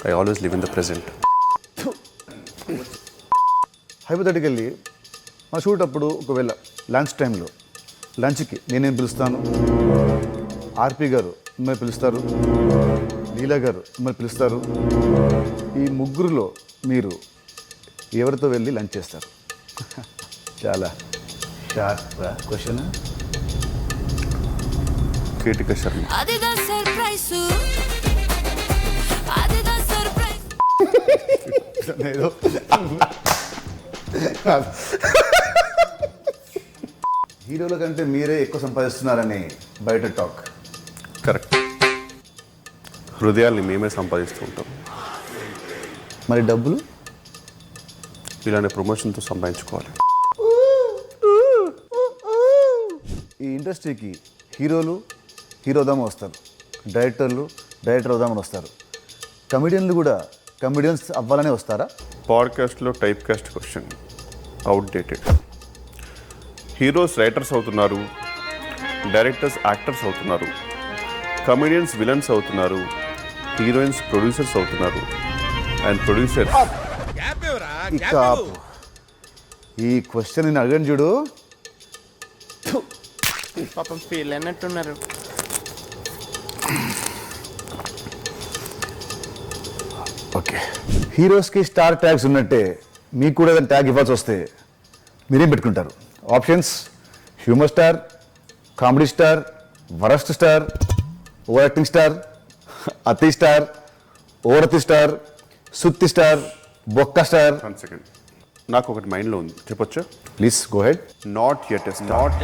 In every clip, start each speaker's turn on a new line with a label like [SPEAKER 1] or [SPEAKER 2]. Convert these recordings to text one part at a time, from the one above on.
[SPEAKER 1] I always live in the present.
[SPEAKER 2] Hypothetically మన shoot అప్పుడు ఒకవేళ లంచ్ టైంలో లంచ్కి నేనేం పిలుస్తాను, ఆర్పి గారు మిమ్మల్ని పిలుస్తారు, లీలా గారు మిమ్మల్ని పిలుస్తారు. ఈ ముగ్గురులో మీరు ఎవరితో వెళ్ళి లంచ్ చేస్తారు? చాలా షార్ప్ క్వశ్చన్.
[SPEAKER 1] కీటిక శర్మ.
[SPEAKER 2] ఏదో హీరోల కంటే మీరే ఎక్కువ సంపాదిస్తున్నారని బయట టాక్.
[SPEAKER 1] కరెక్ట్. హృదయాల్ని మేమే సంపాదిస్తూ ఉంటాం.
[SPEAKER 2] మరి డబ్బులు
[SPEAKER 1] ఇలాంటి ప్రమోషన్తో సంపాదించుకోవాలి.
[SPEAKER 2] ఈ ఇండస్ట్రీకి హీరోలు హీరోదామని వస్తారు, డైరెక్టర్ అవుదామని వస్తారు, కమెడియన్లు కూడా కమెడియన్స్ అవ్వాలనే వస్తారా?
[SPEAKER 1] పాడ్కాస్ట్లో typecast question outdated. Heroes writers అవుతున్నారు, డైరెక్టర్స్ యాక్టర్స్ అవుతున్నారు, కమెడియన్స్ విలన్స్ అవుతున్నారు, హీరోయిన్స్ ప్రొడ్యూసర్స్ అవుతున్నారు, అండ్ ప్రొడ్యూసర్స్.
[SPEAKER 2] ఇక ఆపు. ఈ క్వశ్చన్ నేను అడగను చూడు.
[SPEAKER 3] పాపం ఫీల్ అన్నట్టున్నారు.
[SPEAKER 2] ఓకే, హీరోస్కి స్టార్ ట్యాగ్స్ ఉన్నట్టే మీకు కూడా ఏదైనా ట్యాగ్ ఇవ్వాల్సి వస్తే మీరేం పెట్టుకుంటారు? Options: humour star, comedy star, worst star, over acting star, అతి స్టార్, ఓరతి స్టార్, సుత్తి స్టార్, బొక్క స్టార్.
[SPEAKER 1] 1 సెకండ్, నాకు ఒకటి మైండ్లో ఉంది, చెప్పొచ్చా?
[SPEAKER 2] Please go ahead.
[SPEAKER 1] Not yet a star.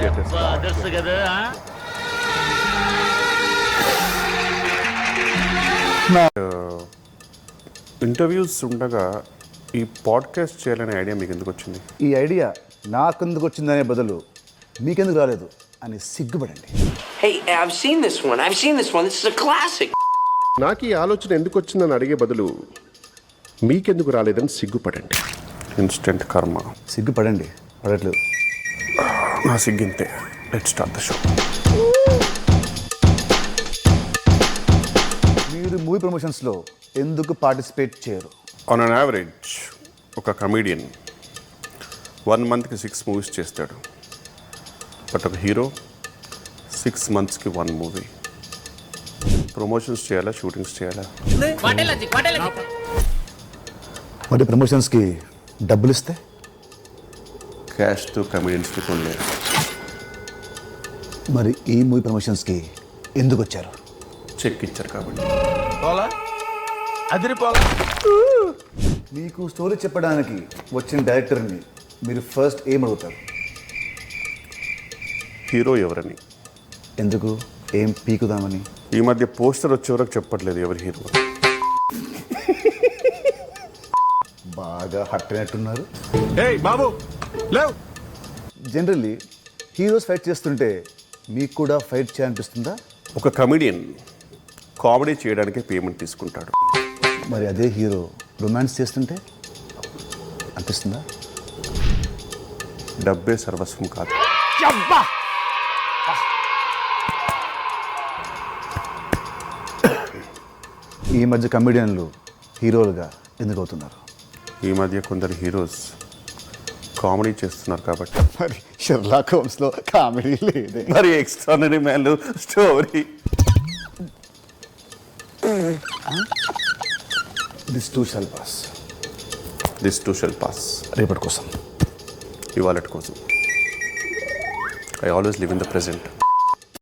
[SPEAKER 1] Interviews ఉండగా ఈ పాడ్కాస్ట్ చేయాలనే ఐడియా మీకు ఎందుకు వచ్చింది?
[SPEAKER 2] ఈ ఐడియా నాకెందుకు వచ్చిందనే బదులు మీకెందుకు రాలేదు అని సిగ్గుపడండి.
[SPEAKER 4] Hey, I've seen this one. This is a classic.
[SPEAKER 1] నాకు ఈ ఆలోచన ఎందుకు వచ్చిందని అడిగే బదులు మీకెందుకు రాలేదని సిగ్గుపడండి. ఇన్స్టెంట్ కర్మ.
[SPEAKER 2] సిగ్గుపడండి, పడట్లేదు.
[SPEAKER 1] నా సిగ్గింతే. Let's start the show.
[SPEAKER 2] మీరు మూవీ ప్రమోషన్స్లో ఎందుకు పార్టిసిపేట్ చేయరు?
[SPEAKER 1] ఆన్ అన్ యావరేజ్ ఒక కమీడియన్ 1 మంత్కి 6 మూవీస్ చేస్తాడు. బట్ ఒక హీరో 6 మంత్స్కి 1 మూవీ. ప్రమోషన్స్ చేయాలా, షూటింగ్స్ చేయాలా?
[SPEAKER 2] మరి ప్రమోషన్స్కి డబ్బులు ఇస్తే?
[SPEAKER 1] క్యాష్తో కమీడియన్స్కి కొనలేరు.
[SPEAKER 2] మరి ఈ మూవీ ప్రమోషన్స్కి ఎందుకు వచ్చారు?
[SPEAKER 1] చెక్ ఇచ్చారు కాబట్టి.
[SPEAKER 2] మీకు స్టోరీ చెప్పడానికి వచ్చిన డైరెక్టర్ని మీరు ఫస్ట్ ఏం అడుగుతారు?
[SPEAKER 1] హీరో ఎవరని.
[SPEAKER 2] ఎందుకు? ఏం పీకుదామని?
[SPEAKER 1] ఈ మధ్య పోస్టర్ వచ్చే వరకు చెప్పట్లేదు ఎవరి హీరో.
[SPEAKER 2] బాగా హట్ అయినట్టున్నారు.
[SPEAKER 5] బాబు లేవ్.
[SPEAKER 2] జనరల్లీ హీరోస్ ఫైట్ చేస్తుంటే మీకు కూడా ఫైట్ చేయాలనిపిస్తుందా?
[SPEAKER 1] ఒక కమీడియన్ కామెడీ చేయడానికే పేమెంట్ తీసుకుంటాడు.
[SPEAKER 2] మరి అదే హీరో రొమాన్స్ చేస్తుంటే అనిపిస్తుందా?
[SPEAKER 1] డబ్బే సర్వస్వం కాదు.
[SPEAKER 2] ఈ మధ్య కమెడియన్లు హీరోలుగా ఎందుకు అవుతున్నారు?
[SPEAKER 1] ఈ మధ్య కొందరు హీరోస్ కామెడీ చేస్తున్నారు కాబట్టి.
[SPEAKER 2] మరి షెర్లాక్ హోమ్స్లో కామెడీ లేదే.
[SPEAKER 1] మరి ఎక్స్ట్రానరీ మ్యాన్లు story.
[SPEAKER 2] This too shall pass.
[SPEAKER 1] This too shall pass.
[SPEAKER 2] రేపటి కోసం,
[SPEAKER 1] ఇవాళ కోసం. I always live in the present.